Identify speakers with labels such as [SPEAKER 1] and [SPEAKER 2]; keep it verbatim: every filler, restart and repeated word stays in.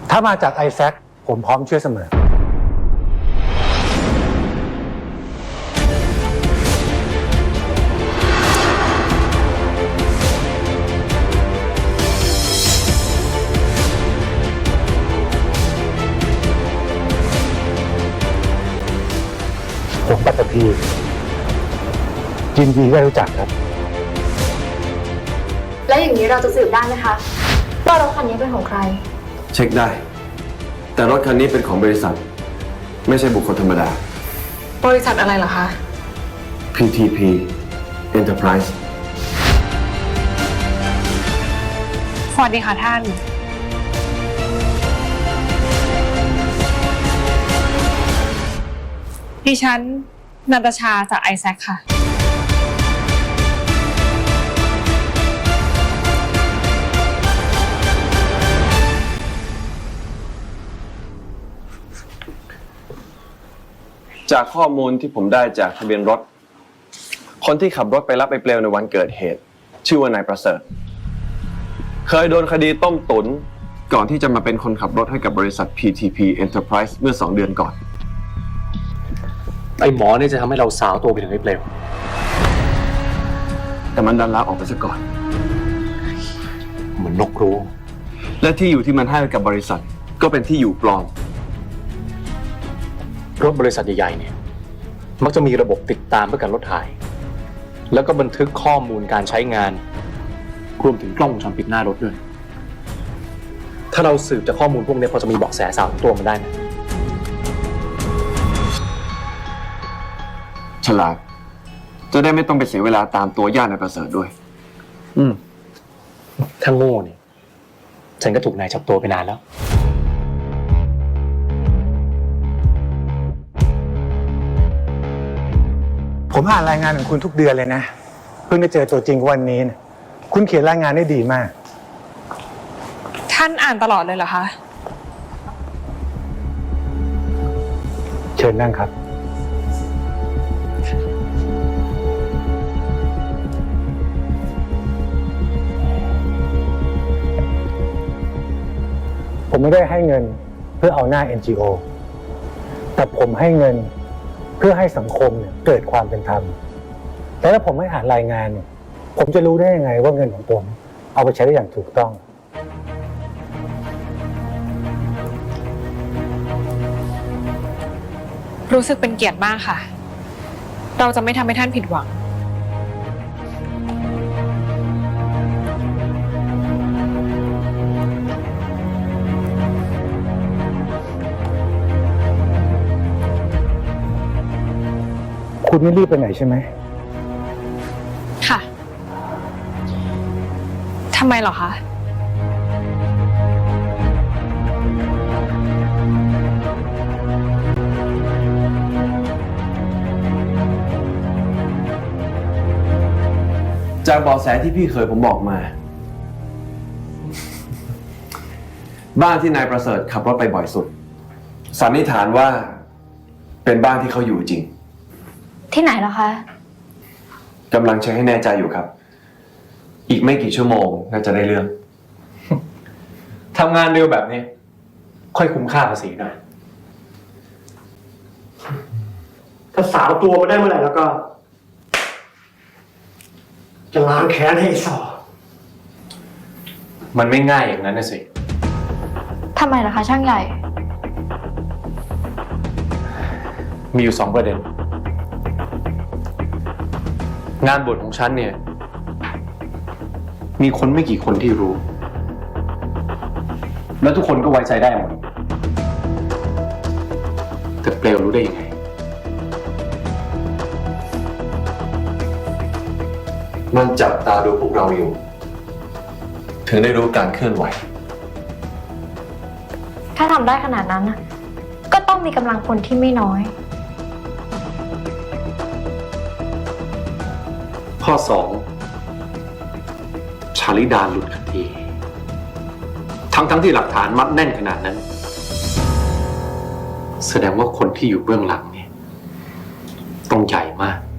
[SPEAKER 1] ถ้ามาจากไอแซคผมพร้อมช่วยเสมอผมปัตตภียินดีได้รู้จักครับ
[SPEAKER 2] แล้วอย่างนี้เราจะสืบได้ไหมคะว่ารถคันนี้เป็นของใคร
[SPEAKER 3] เช็คได้แต่รถคันนี้เป็นของบริษัทไม่ใช่บุคคลธรรมดา
[SPEAKER 2] บริษัทอะไรเหรอคะ
[SPEAKER 3] พี ที พี Enterprise
[SPEAKER 4] สวัสดีค่ะท่านดิฉันนาตาชาจากไอแซคค่ะ
[SPEAKER 3] จากข้อมูลที่ผมได้จากทะเบียนรถคนที่ขับรถไปรับไอ้เปลวในวันเกิดเหตุชื่อว่านายประเสริฐเคยโดนคดีต้มตุ๋นก่อนที่จะมาเป็นคนขับรถให้กับบริษัท พี ที พี Enterprise เมื่อสองเดือนก่อน
[SPEAKER 5] ไอ้หมอเนี่ยจะทำให้เราสาวตัวไปถึงไอ้เปลว
[SPEAKER 3] แต่มันดันลาออกไปซะก่อน
[SPEAKER 5] เหมือนนกรู้
[SPEAKER 3] และที่อยู่ที่มันให้กับบริษัทก็เป็นที่อยู่ปลอม
[SPEAKER 5] รถบริษัทใหญ่ๆเนี่ยมักจะมีระบบติดตามเพื่อการลดถ่ายแล้วก็บันทึกข้อมูลการใช้งานรวมถึงกล้องวงจรปิดหน้ารถด้วยถ้าเราสืบจากข้อมูลพวกนี้พอจะมีเบาะแสสาวตัวมันได้ไหม
[SPEAKER 3] ฉลาดจะได้ไม่ต้องไปเสียเวลาตามตัวญาตินายประเสริฐด้วย
[SPEAKER 5] อืมถ้าโง่เนี่ยฉันก็ถูกนายจับตัวไปนานแล้ว
[SPEAKER 1] ผมอ่านรายงานของคุณทุกเดือนเลยนะเพิ่งได้เจอตัวจริงวันนี้นะคุณเขียนรายงานได้ดีมาก
[SPEAKER 4] ท่านอ่านตลอดเลยเหรอคะ
[SPEAKER 1] เชิญนั่งครับผมไม่ได้ให้เงินเพื่อเอาหน้า เอ็น จี โอ แต่ผมให้เงินเพื่อให้สังคมเนี่ยเกิดความเป็นธรรมแต่ถ้าผมไม่อ่านรายงานเนี่ยผมจะรู้ได้ยังไงว่าเงินของผมเอาไปใช้ได้อย่างถูกต้อง
[SPEAKER 4] รู้สึกเป็นเกียรติมากค่ะเราจะไม่ทำให้ท่านผิดหวัง
[SPEAKER 1] คุณไม่รีบไปไหนใช่ไหม
[SPEAKER 4] ค่ะทำไมเหรอคะ
[SPEAKER 3] จากเบาะแสที่พี่เคยผมบอกมาบ้านที่นายประเสริฐขับรถไปบ่อยสุดสันนิษฐานว่าเป็นบ้านที่เขาอยู่จริง
[SPEAKER 2] ที่ไหนเหรอคะ
[SPEAKER 3] กำลังเช็คให้แน่ใจอยู่ครับอีกไม่กี่ชั่วโมงน่าจะได้เรื่อง
[SPEAKER 5] ทำงานเร็วแบบนี้ค่อยคุ้มค่าภาษีหน่อย
[SPEAKER 6] ถ้าสาวตัวมาได้เมื่อไหร่แล้วก็จะล้างแค้นให้สอ
[SPEAKER 5] มันไม่ง่ายอย่างนั้นนะสิ
[SPEAKER 2] ทำไมล่ะคะช่างใหญ่
[SPEAKER 5] มีอยู่สองประเด็นงานบวชของฉันเนี่ยมีคนไม่กี่คนที่รู้แล้วทุกคนก็ไว้ใจได้หมดแต่เปลวรู้ได้ยังไง
[SPEAKER 3] มันจับตาดูพวกเราอยู่ถึงได้รู้การเคลื่อนไหว
[SPEAKER 2] ถ้าทำได้ขนาดนั้นนะก็ต้องมีกำลังคนที่ไม่น้อย
[SPEAKER 5] ข้อสองชาลิดาหลุดคดีทั้งทั้งที่หลักฐานมัดแน่นขนาดนั้นแสดงว่าคนที่อยู่เบื้องหลังเนี่ยต้องใหญ่มาก